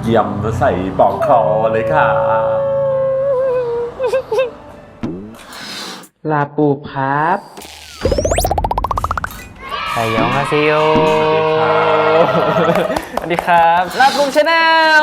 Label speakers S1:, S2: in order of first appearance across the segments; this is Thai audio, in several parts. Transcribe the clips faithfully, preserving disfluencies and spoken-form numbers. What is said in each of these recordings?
S1: เยี่ยมใส่ปอกคอเลยค่ะ
S2: ลาปูครับไทยองฮาซิโอสวัสดีครับลาปูชาแนล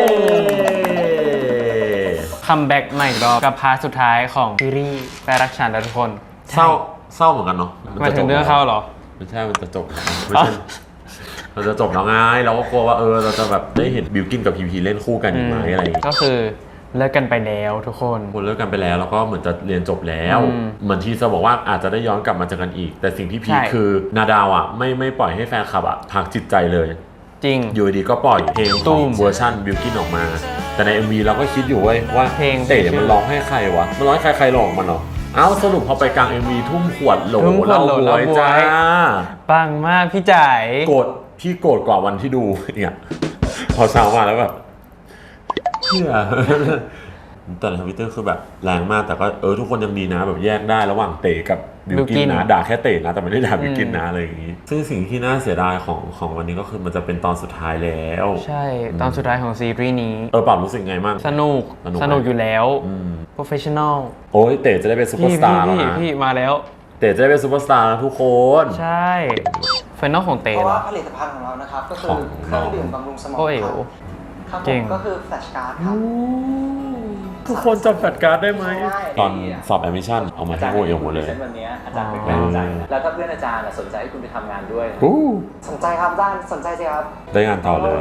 S2: คัมแบ็กใหม่รอบกับพาร์ทสุดท้ายของซีรีส์แฟนรักฉันและทุกคน
S1: เศร้าเศร้าเหมือนกันเนาะ
S2: มาถึงเรื่องเข้าเหรอ
S1: ไม่ใช่มันจะจบไม่ใช่เราจะจบแล้วไงเราก็กลัวว่าเออเราจะแบบได้เห็นบิวกินกับพีพีเล่นคู่กันอีกไหมอะไรอย่างเงี้ย
S2: ก็คือเลิกกันไปแล้วทุกคน
S1: คนเลิกกันไปแล้วแล้วก็เหมือนจะเรียนจบแล้วเหมือนที่จะบอกว่าอาจจะได้ย้อนกลับมาเจอกันอีกแต่สิ่งที่พีคคือนาดาวอ่ะไม่ไม่ปล่อยให้แฟนคลับอ่ะพักจิตใจเลย
S2: จริง
S1: อยู่ดีก็ปล่อยเพลงของเวอร์ชันบิวกินออกมาแต่ใน เอ็ม วี เราก็คิดอยู่เว้ยว่าเพลงเต๋มันร้องให้ใครวะมันร้องให้ใครใครร้องมันเหรอเอ้าสรุปพอไปกลาง เอ็ม วี ทุ่มขวดโหลเราบวยจ้า
S2: ปังมากพี่จ๋าย
S1: โกรธพี่โกรธกว่าวันที่ดูเนี่ยพอเช้ามาแล้วแบบเพื่อแต่ในทวิตเตอร์คือแบบแรงมากแต่ก็เออทุกคนยังดีนะแบบแยกได้ระหว่างเต๋กับบิวกินนะด่าแค่เต๋นะแต่ไม่ได้ด่าบิวกินนะอะไรอย่างงี้ซึ่งสิ่งที่น่าเสียดายของของวันนี้ก็คือมันจะเป็นตอนสุดท้ายแล้ว
S2: ใช่ตอนสุดท้ายของซีรีส์นี้
S1: เออปรับรู้สึกไงบ้าง
S2: สนุกสนุกอยู่แล้ว professional
S1: โอ้ยเต๋จะได้เป็นซุปเปอร์สตาร์แล้วนะ
S2: พี่มาแล้ว
S1: เต๋จะได้เป็นซุปเปอร์สตาร์แล้วทุกคน
S2: ใช่ไฟนอลของเต๋
S3: เพราะว่าผลิตภัณฑ์ของเรานะครับก็คือเครื่องดื่มบำรุงสมองครับผมก็คือแฟลชการ์ดครับ
S1: ทุกคนจำแฟลชการ์ดได้ไหมตอนสอบแอดมิชชั่นเอามาที่โอเอลหมดเลย
S3: วันนี้อาจารย์เป็นแรงใจแล้วก็เพื่อนอาจารย์สนใจให้คุณไปทำงานด้วยสนใจครับอาจารย์สนใจสิครับ
S1: ได้งานต่อเลย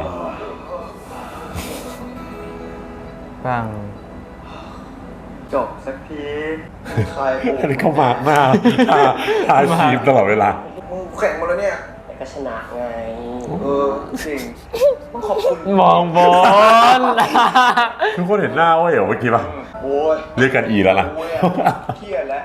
S2: ฟัง
S3: จบสักทีใคร
S1: อันนี้เขามากมากทายทีมตลอดเวลา
S3: มึงแข่งหมดแล้วเนี่ยก็ชนะไงเออจริงต้องขอบคุณ
S2: มองบอล
S1: ทุกคนเห็นหน้าว่าเหรอเมื่อกี้ป่ะ
S3: โอ้ย
S1: เรียกกันอีแล้วล่ะ
S3: เครียดแล้ว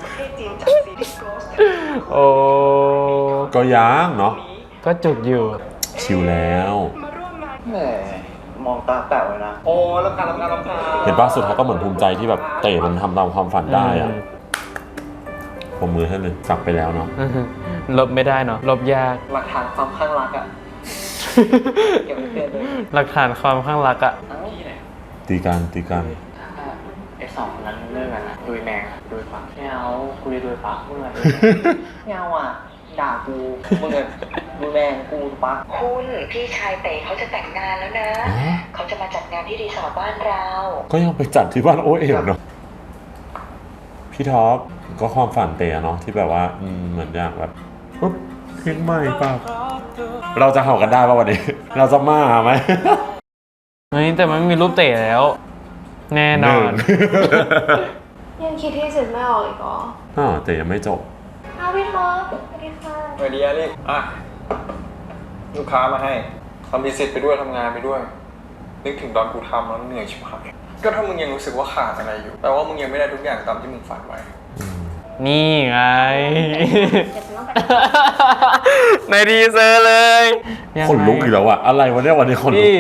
S2: โอ้
S1: ก็ยังเนาะ
S2: ก็จุกอยู่
S1: ชิลแล้ว
S3: แหมมองตาแป๋วเลยนะโอ้ลำคาญลำคาญลำคาญ
S1: เห็นป่ะสุดท้ายก็เหมือนภูมิใจที่แบบเตะมันทำตามความฝันได้อะผมมือให้เลยจับไปแล้วเนาะ
S2: ลบไม่ได้เนาะลบยาก
S3: หลักฐานความข้างรักอะเก็บไว้เตือนเลย
S2: หลักฐานความข้างรักอะ
S1: ตีกันตีกัน
S3: ไอ้สองนั้นเรื่องกันนะดุยแมงดุยฟักไม่เอากูจะดุยฟักเมื่อไหร่ไม่เอาอ่ะด่ากูมึงเลยดุยแมงกูฟัก
S4: คุณพี่ชายเต๋เขาจะแต่งงานแล้วนะเขาจะมาจัดงานที่รีสอร์ทบ้านเรา
S1: ก็ยังไปจัดที่บ้านโอเอ๋วเนาะพี่ท็อปก็ความฝันเต๋เนาะที่แบบว่าเหมือนอย่างแบบปุ๊บเพลงใหม่ป่ะเราจะเห่ากันได้ป่ะวันนี้เราจะมาไหม
S2: เฮ้ยแต่มันมีรูปเต๋แล้วแน่นอน
S4: ยังคิดที่สุดไม่ออกอีกเหรอ
S1: อ๋อเต๋ยังไม่จบ
S4: อ้าวพี่ท็อปสวัสดีค่ะ
S3: สวัสดีอาลี่อ่ะลูกค้ามาให้ทำบิสเนสไปด้วยทำงานไปด้วยนึกถึงตอนกูทำแล้วเหนื่อยชิบหายก็ถ้ามึงยังรู้สึกว่าขาดอะไรอยู่แปลว่ามึงยังไม่ได้ทุกอย่างตามที่มึงฝันไว้
S2: นี่ไงในดีเซอร์เลย
S1: คนลุกอีกแล้วอะอะไรวะเนี่ยวันนี้คนลุก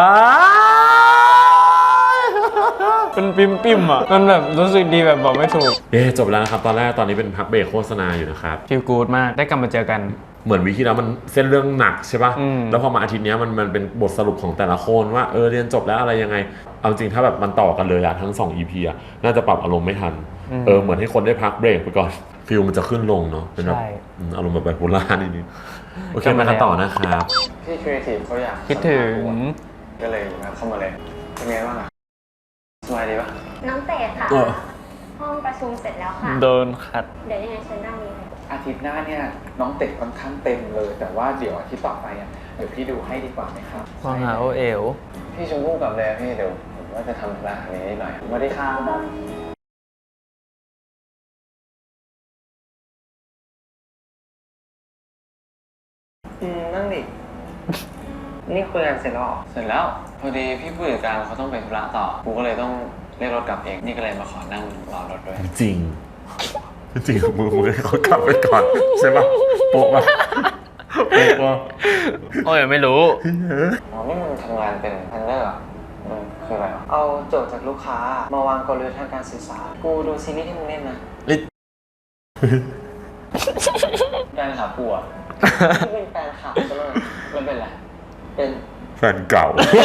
S2: เป็นปิมปิมอ่ะมันแบบรู้สึกดีแบบบอกไม่ถูก
S1: เอ๊จบแล้วนะครับตอนแรกตอนนี้เป็นพักเบรกโฆษณาอยู่นะครับ
S2: ฟีลกู๊ดมากได้กลับมาเจอกัน
S1: เหมือนวิธีแล้วมันเส้นเรื่องหนักใช่ป่ะแล้วพอมาอาทิตย์นี้มันมันเป็นบทสรุปของแต่ละคนว่าเออเรียนจบแล้วอะไรยังไงเอาจริงถ้าแบบมันต่อกันเลยอะทั้งสอง อี พี อะน่าจะปรับอารมณ์ไม่ทันเออเหมือนให้คนได้พักเบรกไปก่อนฟิลมันจะขึ้นลงเนาะเป็นแบบอารมณ์แบบไบโพล่านิดนึงโอเคมากันต่อนะครับ
S3: พี่ครีเอทีฟเขาอยาก
S2: คิดถึง
S3: ก็เลยมาเข้ามาเลยเป็นไงบ้างอะสบายดีปะ
S4: น้องเต๋ค่ะห้องประชุมเสร็จแล้วค่ะ
S2: โดนคัด
S4: เดี๋ยวยังไงฉันนั่งนี้
S3: อาทิตย์หน้าเนี่ยน้องเต๋ค่อนข้างเต็มเลยแต่ว่าเดี๋ยวอาทิตย์ต่อไปอ่ะเดี๋ยวพี่ดูให้ดีกว่าไหมครับ
S2: มองหาโอเอล
S3: พี่ชมพู่กับเลยพี่เดี๋ยวผมว่าจะทำธุระนี้นิดหน่อยสวัสดีครับอืมนั่งดินี่คุยกันเสร็จแล้วหรอเสร็จแล้วพอดีพี่ผู้จัดการเขาต้องไปธุระต่อกูก็เลยต้องเรียกรถกลับเองนี่ก็เลยมาขอนั่งรอรถด้วย
S1: จริงจริงมือมือให้เขากลับไปก่อนใช่ป่ะโป๊ะป่ะโป๊ะป่ะ
S2: โอ้ยไม่รู้
S3: อ๋อนี่มึงทำงานเป็นแพนเนอร์อ่ะมันคืออะไรอ่ะเอาโจทย์จากลูกค้ามาวางกลยุทธ์ทางการสื่อสารกูดูซีรีส์ที่มึงเล่นนะแฟนขาปูอ่ะเป็นแฟนขาใช่ไหมมันเป็นอะไรเป็น
S1: แฟนเก่า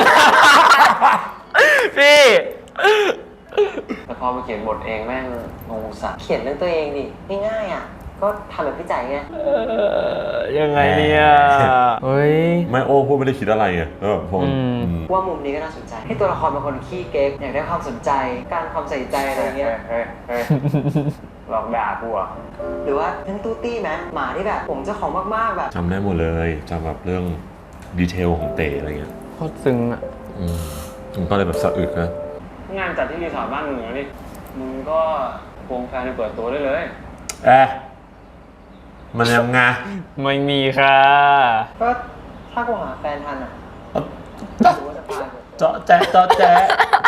S2: พี่
S5: แต่พอมาเขียนบทเองแม่งงงสัสเขียนเรื่องตัวเองดิง่ายๆอ่ะก็ทำแบบพี่ใจไง
S2: เออยังไงเนี่ยเฮ้ย
S1: ไม่โอ้พูดไม่ได้คิดอะไรไงแล้วแบบพอ
S2: อืม
S1: อืม
S5: ว่ามุมนี้ก็น่าสนใจให้ตัวละครเป็นคนขี้เก๊กอยากได้ความสนใจการความใส่ใจอะไรเงี้ย
S3: เฮ้ยเฮ้ยหลอกด่ากูอ่ะ
S5: หรือว่าทั้งตู้ตี้ไหมหมาที่แบบผมเจ้าของมากๆแบบ
S1: จำได้หมดเลยจำแบบเรื่องดีเทลของเต๋อะไรเงี้ย
S2: โคตรซึ้งอ่ะ
S1: อืมมันก็เลยแบบสะอึกนะ
S3: งานจัดที่รีสอร์ทบ้านมึงเหรอนี่มึงก็ควงแฟนไปเปิดตัวได้เลย
S1: เอ๊ะมันยังไง
S2: ไม่มีค่ะ
S5: ก็ถ้ากูหาแฟนทันอ่ะกูว่าจะพาไป
S1: เจาะแจ๊ะเจาะแจ๊ะ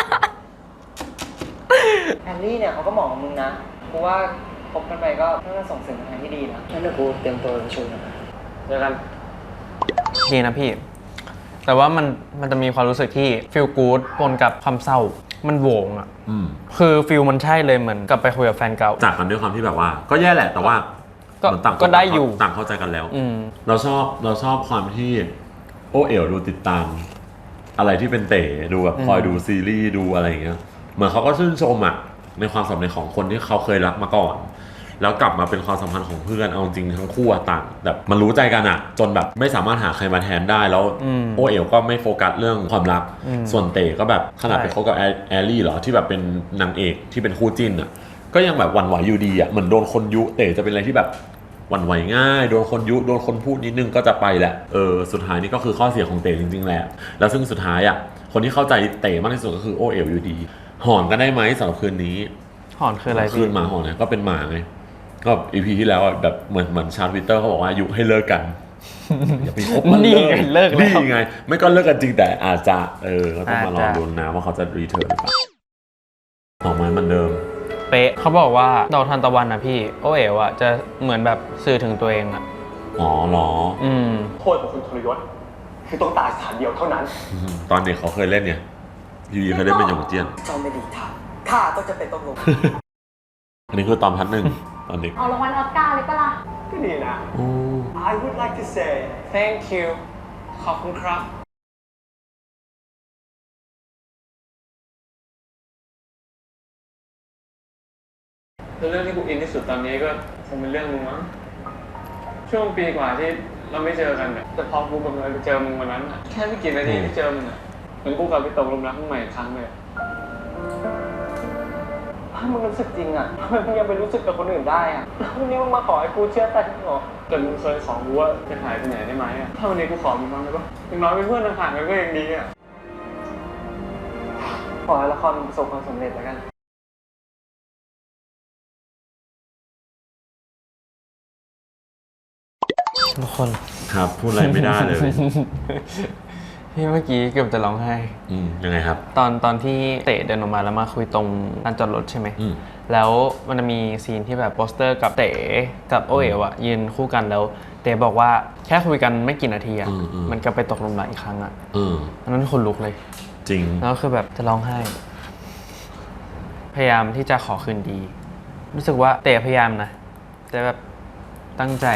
S5: แฮร์รี่เนี่ยเขาก็เหมาะกับมึงนะกูว่าคบกันไปก็น่าจะส่งเสริมกันทางที่ดีนะงั้นเดี๋ยวกูเตรียมตัวประชุมนะ
S3: เจอกัน
S2: ดีนะพี่ แต่ว่ามันมันจะมีความรู้สึกที่ฟีลกู๊ดปนกับความเศร้า มันโหวงอ่ะ
S1: อืม
S2: คือฟีลมันใช่เลยเหมือนกลับไปคุยกับแฟนเก่า
S1: จากกันด้วยความที่แบบว่า ก็แย่แหละแต่ว่า
S2: ก็
S1: เหมือนต่างคน
S2: ก็ได้อยู่
S1: ต่างเข้าใจกันแล้ว
S2: อืม
S1: เราชอบเราชอบความที่โอเอ๋วดูติดตาม อะไรที่เป็นเต๋ดูแบบ
S2: อืม
S1: คอยดูซีรีส์ดูอะไรอย่างเงี้ยเหมือนเขาก็ชื่นชมอ่ะในความสัมพันธ์ของคนที่เขาเคยรักมาก่อน แล้วกลับมาเป็นความสัมพันธ์ของเพื่อนเอาจริงทั้งคู่อะต่างแบบมันรู้ใจกันอะจนแบบไม่สามารถหาใครมาแทนได้แล้ว
S2: อืม
S1: โอเอ๋วก็ไม่โฟกัสเรื่องความรัก
S2: อืม
S1: ส่วนเต๋ก็แบบขนาด
S2: ใช่
S1: ไปคบกับแอแอลลี่เหรอที่แบบเป็นนางเอกที่เป็นคู่จิ้นอะก็ยังแบบหวั่นไหวอยู่ดีอะเหมือนโดนคนยุเต๋จะเป็นอะไรที่แบบหวั่นไหวง่ายโดนคนยุโดนคนพูดนิดนึงก็จะไปแหละเออสุดท้ายนี่ก็คือข้อเสียของเต๋จริงๆแหละแล้วซึ่งสุดท้ายอะคนที่เข้าใจเต๋มากที่สุดก็คือโอเอ๋วอยู่ดีหอนกันได้ไหมสำหรับคืนนี้
S2: หอนคืออะไร
S1: คื
S2: พี่
S1: นหมาหอนเนี่ยก็เป็นหมาไงก็อีพีที่แล้วอะแบบเหมือนเหมือนชาร์ทวิตเตอร์เขาบอกว่ายุให้เลิกกัน อย่าไปคบมัน
S2: นี่
S1: เลย
S2: ไงเลิกแล้ว
S1: นี่ไง ไม่ก็เลิกกันจริงแต่อาจจะเออก็ต้องมาลอง
S2: อาจจะ
S1: ดูนะว่าเขาจะรีเทิร์นหรือเปล่าออกมาเหมือนเดิม
S2: เป๊ะเขาบอกว่าดอกทานตะวันนะพี่โอเอ๋วอ่ะจะเหมือนแบบสื่อถึงตัวเองอ่ะ
S1: อ๋อเหรอ
S2: อืม
S3: โทษของคุณทรยศคือต้องตายสถานเดียวเท่านั้น
S1: อืมตอนเด็กเขาเคยเล่นเนี่ยยูยีเคยเล่นเป็นหยงเจี้ยน
S5: เจ้าไม่ดีทางข้าต้องจะเป็นต้องลง
S1: อันนี้คือตอนพัดหนึ่งตอนเด็ก
S6: เอารางวัลออสการ์เลยปะล่ะ
S3: ก็ดีนะ
S1: โอ้
S3: I would like to say thank you ขอบคุณครับ เรื่องที่กูอินที่สุดตอนนี้ก็คงเป็นเรื่องมึงมั้ง ช่วงปีกว่าที่เราไม่เจอกันเนี่ยแต่พอกูบังเอิญไปเจอมึงวันนั้นอะแค่ไม่กี่นาทีที่เจอมึงอะเหมือนกูกลับไปตกหลุมรักมึงใหม่อีกครั้งเลยอะถ้ามึงรู้สึกจริงอะทำไมมึงยังไปรู้สึกกับคนอื่นได้อะแล้ววันนี้มึงมาขอให้กูเชื่อใจมึงเหรอแต่มึงเคยขอกูว่าจะหายไปไหนได้ไหมอะถ้าวันนี้กูขอมึงบ้างได้ปะอย่างน้อยเป็นเพื่อนห่างๆกันก็ยังดีอะขอให้ละครมันประสบความสำเร็จแล้วกัน
S2: ทุกคน
S1: ครับพูดอะไรไม่ได้เลย
S2: พี่เมื่อกี้เกือบจะร้องไห้
S1: อืมยังไงครับ
S2: ตอนตอนที่เตะเดินออกมาแล้วมาคุยตรงลานจอดรถใช่ไหม
S1: อืม
S2: แล้วมันจะมีซีนที่แบบโปสเตอร์กับเต๋กับโอเอ๋วอะยืนคู่กันแล้ว เต๋บอกว่าแค่คุยกันไม่กี่นาทีอะ
S1: อืมอืม
S2: มันก็ไปตกหลุมรักอีกครั้งอะ
S1: เออ
S2: อันนั้นคนลุกเลย
S1: จริง
S2: แล้วคือแบบจะร้องไห้ พยายามที่จะขอคืนดี รู้สึกว่าเต๋พยายามนะ แต่แบบตั้งใจ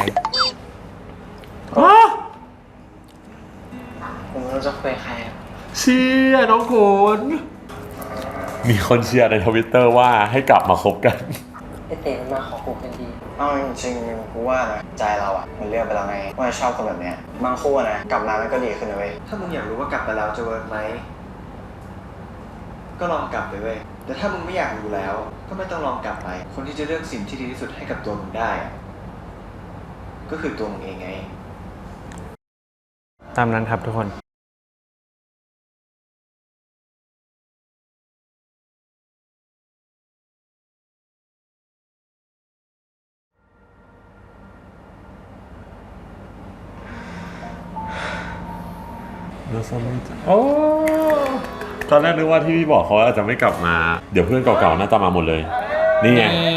S5: ผมไม่รู้จะคุยกับใครอะ
S1: เชียร์น้องโขนมีคนเชียร์ในทวิตเตอร์ว่าให้กลับมาคบกัน
S5: ไอเต๋มันมาขอกูเป็นดี
S7: เอาจริงๆกูว่านะใจเราอะมันเลือกไปแล้วไงว่าชอบคนแบบเนี้ยบางคู่อะนะกลับมามันก็ดีขึ้นนะเว้ย
S8: ถ้ามึงอยากรู้ว่ากลับไปแล้วจะเวิร์กไหม ก็ลองกลับไปเว้ย แต่ถ้ามึงไม่อยากรู้แล้ว ก็ไม่ต้องลองกลับไป คนที่จะเลือกสิ่งที่ดีที่สุดให้กับตัวมึงได้อะก็คือตัวมึงเองไง
S2: ตามนั้นครับทุกคน
S1: โอ้ตอนแรกนึกว่าที่พี่บอกเขาอาจจะไม่กลับมา เดี๋ยวเพื่อนเก่าๆน่าจะมาหมดเลย นี่ไง
S2: นี่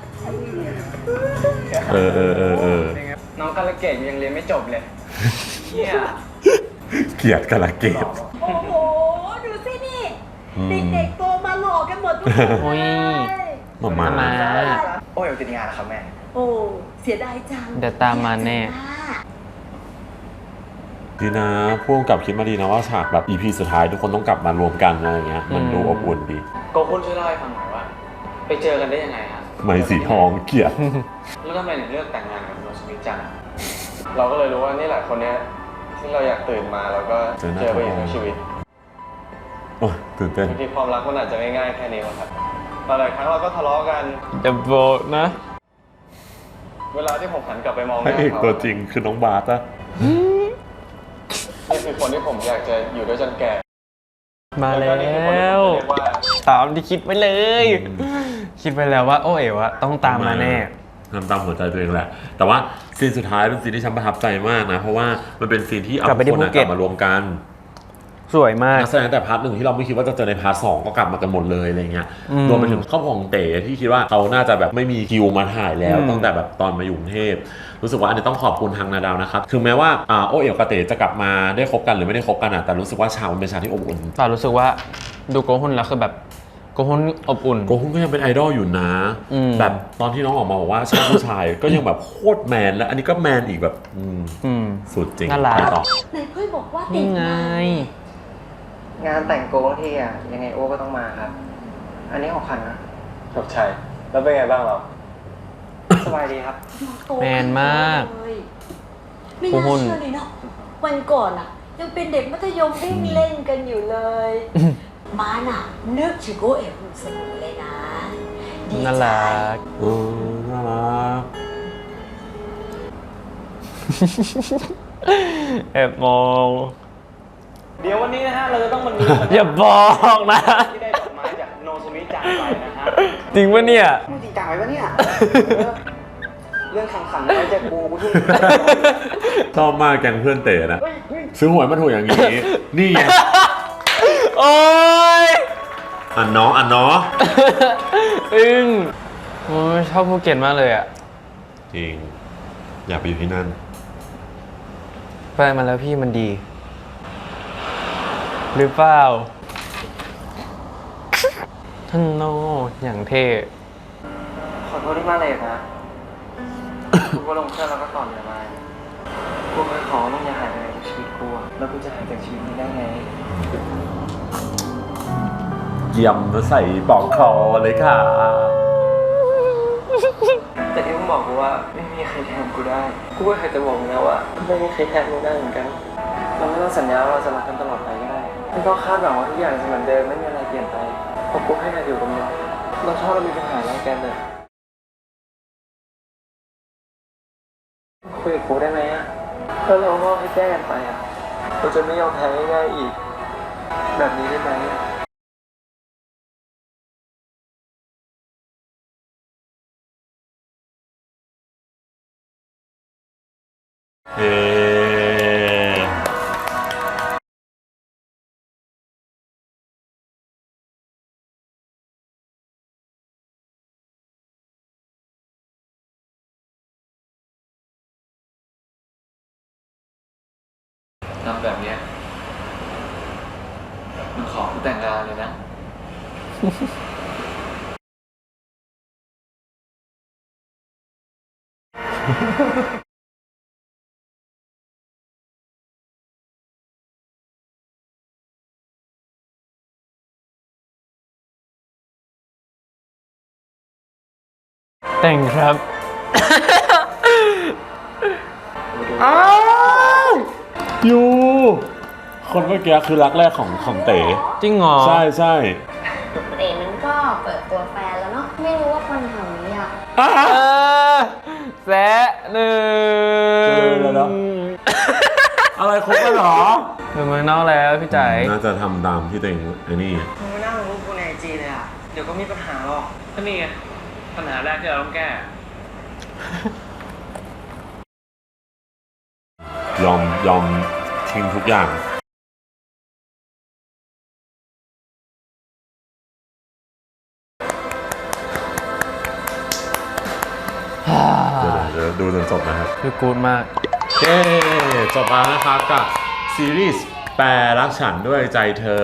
S1: เออเออเออเออ
S3: น้องกาลเกตยังเรียนไม่จบเลยเฮีย
S1: เกลียดกะละเกด
S6: โอ้โห ดูสินี่
S1: อืม
S6: เด็กๆโตมาหล่อกันหมดทุกคน
S2: โอ้ย
S1: หมามา
S2: มา
S7: โอ้ยติดงานนะครับแม่
S6: โอ้ เสียดายจัง
S2: เดี๋ยวตามมาแน่
S6: อยกจะมา
S1: ดีนะพ่วงกับคิดมาดีนะว่าฉากแบบ อี พี สุดท้ายทุกคนต้องกลับมารวมกันอะไรอย่างเงี้ยมันดูอบอุ่นดี
S5: โกคุณช่วยเล่าให้ฟังหน่อยว่า ไปเจอกันได้ยังไงฮะ
S1: ไหมสีทองเกลียด
S5: แล้วทำไมถึงเลือกแต่งงานกับโนสมิจังอะ
S3: เราก็เลยรู้ว่านี่แหละคนเนี้ยที่เราอยากตื่นมาแล้วก็
S1: เจอหน้า
S3: เจอไปอีกในชีวิต
S1: โอ้ยตื่นเต้น
S3: บางทีความรักมันอาจจะง่ายๆแค่นี้มั้งครับหลายครั้งเราก็ทะเลาะกัน
S2: จะบอกนะ
S3: เวลาที่ผมหันกลับไปมองห
S1: พระ
S3: น้า
S1: เอก
S3: เขา
S1: ตัวจริงคือน้องบาสอะ
S3: นี่คือคนที่ผมอยากจะอยู่ด้วยจนแก่
S2: มาแล้
S3: ก็นี่คือคนที่
S2: ว
S3: ผมเรียกว่า
S2: ตามที่คิดไว้เลย คิดไว้แล้วว่า โอ้เอ๋วะต้องตามมาแน่
S1: ทำตามหัวใจตัวเองแหละ แต่ว่าซีนสุดท้ายเป็นซีนที่ฉันประทับใจมากนะ เพราะว่ามันเป็นซีนที่เอา
S2: กลับไปที่
S1: ทุกคนอะ
S2: ภูเก็
S1: ก
S2: ต
S1: ลับมารวมกัน
S2: สวยมาก
S1: นักแสดงแต่พาร์ทหนึ่งที่เราไม่คิดว่าจะเจอในพาร์ทสองก็กลับมากันหมดเลยอะไรเงี้ย
S2: อืม
S1: รวมไปถึงครอบครัวของเต๋ที่คิดว่าเขาน่าจะแบบไม่มีคิวมาถ่ายแล้ว
S2: อืม
S1: ตั้งแต่แบบตอนมาอยู่กรุงเทพรู้สึกว่าอันนี้ต้องขอบคุณทางนาดาวนะครับถึงแม้ว่าอ่าโอเอ๋วกับเต๋จะกลับมาได้คบกันหรือไม่ได้คบกันอะแต่รู้สึกว่าฉากมันเป็นฉากที่อบอุ่น
S2: ต่อรู้สึกว่าดูโกฮุนแล้วคือแบบโกฮุนอบอุ่น
S1: โกฮุนก็ยังเป็นไอดอลอยู่นะ
S2: อืม
S1: แบบตอนที่น้องออกมาบอกว่าชอบผู้ชาย ก็ยังแบบโคตรแมนและอันนี้ก็แมนอีกแบบอืม
S2: อืม
S1: สุดจริง
S2: น่ารัก
S1: ไปต่อ
S6: ไหนเพื่อนบอกว่าติ
S2: นี่
S6: ด
S2: ไง
S6: งาน
S5: งานแต่งโกงที่อ่ะยังไงโอ้ก็ต้องมาครับ อันนี้ของคันนะ
S3: ขอบใจแล้วเป็นไงบ้างเรา
S5: สบายดีครับ
S6: โต
S2: แมนมาก
S6: เลยไม่
S2: โอ้
S6: น่า
S2: โห
S6: เชื่อเลยเนาะวันก่อนอะยังเป็นเด็กมัธยมวิ่งเล่นกันอยู่เลย มาน่ะนึกถึงโกเอ๋วเสมอเลยนะดีใจ
S2: น่ารัก
S1: เออน่ารัก
S2: แอบมอง
S5: เดี๋ยววันนี้นะฮะเราจะต้องมาดู
S2: อย่าบอกนะ
S5: ที่ได้ดอกไม้จากโนสมิจังไปนะฮะ
S2: จริงปะเนี่ย
S5: พูดจริงจังไปปะเนี่ย เรื่องขังๆไว้ใจกูกูทุ่ม
S1: ชอบมากแกงเพื่อนเต๋นะซื้อหวยมาถูกอย่างนี้ นี่ไง
S2: โอ้ย
S1: อันเนาะอันเนาะ
S2: อึ้งโอ้ยชอบภูเก็ตมากเลยอ่ะ
S1: จริง อยากไปอยู่ที่นั่น
S2: ไปมาแล้วพี่มันดี หรือเปล่าท่านโนอย่างเท่
S5: ขอโทษที่มาเลยนะ กูก็ลงเครื่องแล้วก็ต่อเรือมากูเคยขอมึงอย่าหายไปจากชีวิตกูอะแล้วกูจะหายจากชีวิตนี้ได้ไง
S1: เยี่ยมใส่ปอกคอเลยค่ะ
S5: แต่ที่มึงบอกกูว่าไม่มีใครแทนกูได้ กูก็เคยจะบอกมึงนะว่าไม่มีใครแทนมึงได้เหมือนกัน เราไม่ต้องสัญญาว่าเราจะรักกันตลอดไปก็ได้ไม่ต้องคาดหวังว่าทุกอย่างจะเหมือนเดิมไม่มีอะไรเปลี่ยนไปเพราะกูให้นายอยู่กับมึงเราชอบเรามีปัญหาอะไรกันเลยคุยกับกูได้ไหมอะถ้าเราก็ให้แก้กันไปอะเราจะไม่ยอมแพ้ง่ายๆอีก แบบนี้ได้ไหม
S1: เอ
S5: ทำแบบเนี้ยมึงขอกูแต่งงานเลยนะ
S2: แต่งครับ
S1: อ้าวยูคนเมื่อกี้คือรักแรกของของเต๋
S2: จริงเหรอ
S1: ใช่ใช่
S6: เต๋มันก็เปิดตัวแฟนแล้วเนาะไม่รู้ว่าคนแถวนี้อะ
S1: อ้า
S2: เออแซะหนึ่
S1: เจอง แล้วเนอะ อะไรครบแล้วเหรอ
S2: เป็นเมืองนอกแล้วพี่จ๋าย
S1: น่าจะทำตามที่ตัวเองไอ้นี่
S5: มึงไม่น่าลงรูปกูในไอจีเลยอ่ะ เดี๋ยวก็มีปัญหาหรอกก็นี่ไง ปัญหาแรกที่เราต้องแก้
S1: ยอมยอมทิ้งทุกอย่าง เดี๋ยวเดี๋ยวดูจนจบนะครับ
S2: คือกูดมาก
S1: เย้จบแล้วนะครับกับซีรีส์แปรรักฉันด้วยใจเธอ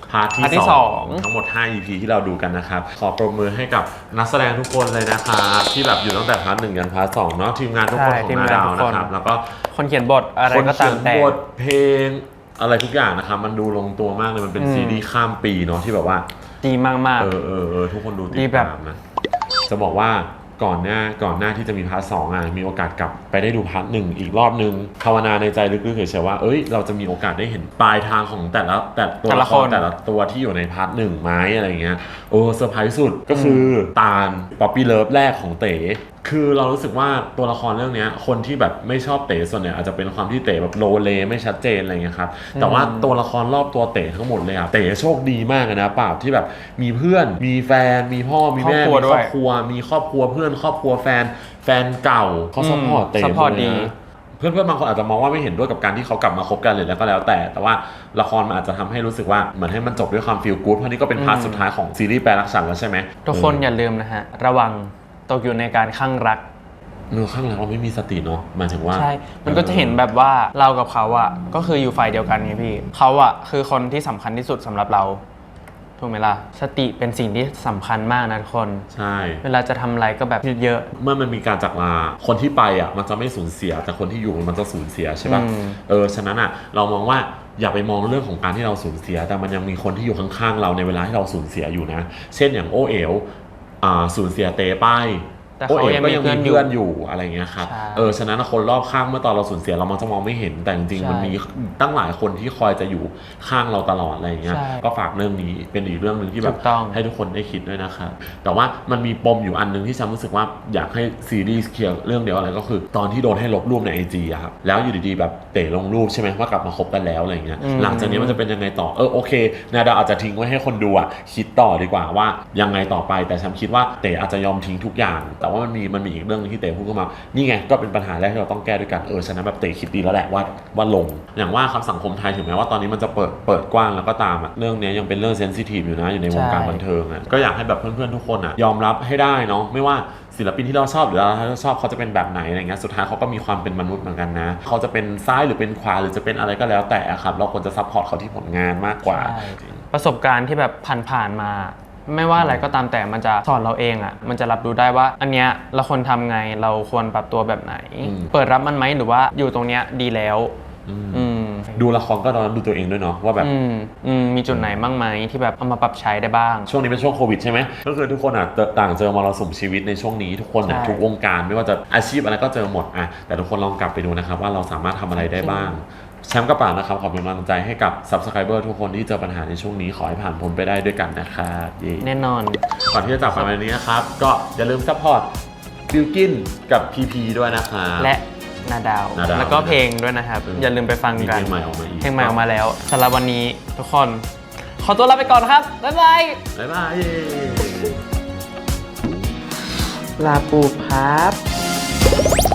S1: พาร์ทที่
S2: พาร์ทที่
S1: ส
S2: ส
S1: อ
S2: อง ง
S1: ทั้งหมด ห้า อี พี ที่เราดูกันนะครับขอปรบมือให้กับนักแสดงทุกคนเลยนะครับที่แบบอยู่ตั้งแต่พาร์ทหนึ่งยันพาร์ทสองเนาะทีมงานทุกคนของนาดาวนะครับแล้วก็
S2: คนเขียนบทอะไรก็ตามแต่
S1: คนเขียนบทเพลงอะไรทุกอย่างนะครับมันดูลงตัวมากเลยมันเป็น
S2: อืม
S1: ซีรีส์ข้ามปีเนาะที่แบบว่า
S2: ดีมากๆ
S1: เออเออเออทุกคนดูติ
S2: ดี
S1: ด
S2: แบบ
S1: ตามนะจะบอกว่าก่อนหน้าก่อนหน้าที่จะมีพาร์ทสองอ่ะมีโอกาสกลับไปได้ดูพาร์ทหนึ่งอีกรอบนึงภาวนาในใจลึกๆเฉยๆว่าเอ้ยเราจะมีโอกาสได้เห็นปลายทางของแต่ละแต่ตัว
S2: แต่ละ
S1: ละคร
S2: คน
S1: แต่ละตัวที่อยู่ในพาร์ทหนึ่งไหมอะไรเงี้ยโอ้เซอร์ไพรส์สุดก็คือตาลป๊อปปี้เลิฟแรกของเต๋คือเรารู้สึกว่าตัวละครเรื่องนี้คนที่แบบไม่ชอบเต๋ส่วนใหญ่อาจจะเป็นความที่เต๋แบบโลเลไม่ชัดเจนอะไรเงี้ยครับแต่ว่าตัวละครรอบตัวเต๋ทั้งหมดเลยอะเต๋โชคดีมากนะเปล่าที่แบบมีเพื่อนมีแฟนมีพ่อมีแม่
S2: ครอบครัว
S1: มี
S2: ด้
S1: คร
S2: วย
S1: อบครัวมีครอบครัวเพื่อนครอบครัวแฟนแฟนเก่าเขาซัพพอร์ตเต๋
S2: ซัพพอร์ต
S1: หมดเลย
S2: ดี
S1: นะเพื่อนๆบางคนอาจจะมองว่าไม่เห็นด้วยกับการที่เขากลับมาคบกันเลยแล้วก็แล้วแต่ แต่ว่าละครมันอาจจะทำให้รู้สึกว่าเหมือนให้มันจบด้วยความฟีลกู๊ดเพราะนี่ก็เป็นพาร์ทสุดท้ายของซีรีส์แปลรักฉันแล้วใช่ไหม
S2: ทุกคนอย่าลืมนะฮะ ระวังตกอยู่ในการข้างรัก
S1: เนื้อข้างหลังเราไม่มีสติเนาะหมายถึงว่า
S2: ใช่ มันก็จะเห็นแบบว่าเรากับเขาอะก็คืออยู่ฝ่ายเดียวกันไงพี่ เขาอะคือคนที่สำคัญที่สุดสำหรับเรา ถูกไหมล่ะ สติเป็นสิ่งที่สำคัญมากนะทุกคน
S1: ใช่
S2: เวลาจะทำอะไรก็แบบเยอะ
S1: เมื่อมันมีการจากลาคนที่ไปอ่ะมันจะไม่สูญเสียแต่คนที่อยู่มันจะสูญเสียใช่ปะ
S2: อืม
S1: เออฉะนั้นอ่ะเรามองว่าอย่าไปมองเรื่องของการที่เราสูญเสีย แต่มันยังมีคนที่อยู่ข้างๆเราในเวลาที่เราสูญเสียอยู่นะ เช่นอย่างโอเอ๋วอ่าสูญเสียเตไป
S2: แต่
S1: โอ
S2: เขา
S1: เอ๋ว
S2: ยัง
S1: ก็
S2: มี
S1: ยัง
S2: เพื่
S1: มี
S2: อนอยู่
S1: เพื่อนอยู่อะไรเงี้ยครับ
S2: ใช่
S1: เออฉะนั้นคนรอบข้างเมื่อตอนเราสูญเสียเรามันจะมองไม่เห็นแต่จริง
S2: ใช่
S1: ๆมันมีตั้งหลายคนที่คอยจะอยู่ข้างเราตลอดอะไรเงี้ย
S2: ใช่
S1: ก็ฝากเรื่องนี้เป็นอีกเรื่องหนึ่งที่แบ
S2: ถู
S1: บ
S2: กต้อง
S1: ให้ทุกคนได้คิดด้วยนะครับแต่ว่ามันมีปมอยู่อันหนึงที่ฉันรู้สึกว่าอยากให้ซีรีส์เคลียร์เรื่องเดียวอะไรก็คือ ตอนที่โดนให้ลบรูปในไอจีอะครับแล้วอยู่ดีๆแบบเตะลงรูปใช่ไหมว่ากลับมาคบกันแล้วอะไรเงี้ย
S2: อืม
S1: หลังจากนี้มันจะเป็นยังไงต่อเออโอเคนาดาวอาจจะทิ้งไว้ให้คนดูอะคิดต่อดีกว่าว่ายังไงต่อไปแต่ฉันคิดว่าเตะอาจจะยอมทิ้งทุกอย่าง แต่ว่ามันมีมันมีอีกเรื่องนึงที่เตะพูดขึ้นมานี่ไงก็เป็นปัญหาแรกที่เราต้องแก้ด้วยกันเออฉะนั้นแบบเตะคิดดีแล้วแหละว่าว่าลงอย่างว่าคำสังคมไทยถึงแม้ว่าตอนนี้มันจะเปิดเปิดกว้างแล้วก็ตามอะเรื่องนี้ยังเป็นเรื่องเซนซิทีฟอยู่นะอยู่ในวงการ
S2: ใช่
S1: บันเทิงอะก็อยากให้แบบเพื่อนๆทุกคนอะยอมรับให้ได้เนาะไม่ว่าศิลปินที่เราชอบหรือเราชอบเขาจะเป็นแบบไหนอะไรเงี้ยสุดท้ายเขาก็มีความเป็นมนุษย์เหมือนกันนะเขาจะเป็นซ้ายหรือเป็นขวาหรือจะเป็นอะไรก็แล้วแต่อะครับเราควรจะซัพพอร์ตเขาที่ผลงานมากกว่า
S2: ใช่ ประสบการณ์ที่แบบผ่านๆมา ไม่ว่าอะไรก็ตามแต่มันจะสอนเราเองอะมันจะรับรู้ได้ว่า อันเนี้ยเราควรทำไงเราควรปรับตัวแบบไหน
S1: อืม
S2: เปิดรับมันไหมหรือว่าอยู่ตรงเนี้ยดีแล้ว
S1: อืม
S2: อืม
S1: ดูละครก็ตอนนั้นดูตัวเองด้วยเนาะว่าแบบ
S2: อืมอืมมีจุดไหนบ้างไหมที่แบบเอามาปรับใช้ได้บ้าง
S1: ช่วงนี้เป็นช่วงโควิดใช่ไหมก็คือทุกคนอ่ะต่างเจอมรสุมชีวิตในช่วงนี้ทุกคนอ่ะ
S2: ใช่
S1: ทุกวงการไม่ว่าจะอาชีพอะไรก็เจอหมดอ่ะแต่ทุกคนลองกลับไปดูนะครับว่าเราสามารถทำอะไรได้บ้างแชมป์กระป๋านะครับขอเป็นกำลังใจให้กับ Subscriber ทุกคนที่เจอปัญหาในช่วงนี้ขอให้ผ่านพ้นไปได้ด้วยกันนะครับเย้
S2: แน่นอน
S1: ก่อนที่จะจากไปวันนี้นะครับก็อย่าลืมซัพพอร์ตบิลกินกับ พี พี ด้วยนะครับ
S2: และนาดาว
S1: นาดาว
S2: แล้วก็เพลงด้วยนะครับ
S1: เออ
S2: อย่าลืมไปฟัง
S1: มี
S2: กั
S1: เพ
S2: น
S1: ลงใหม่ออกมาอีก
S2: เพลงใหม่ออกมาแล้วสำหรับวันนี้ทุกคน ขอตัวลาไปก่อนครับ บ๊ายบาย
S1: บ๊ายบายเย้
S2: ลาปูครับ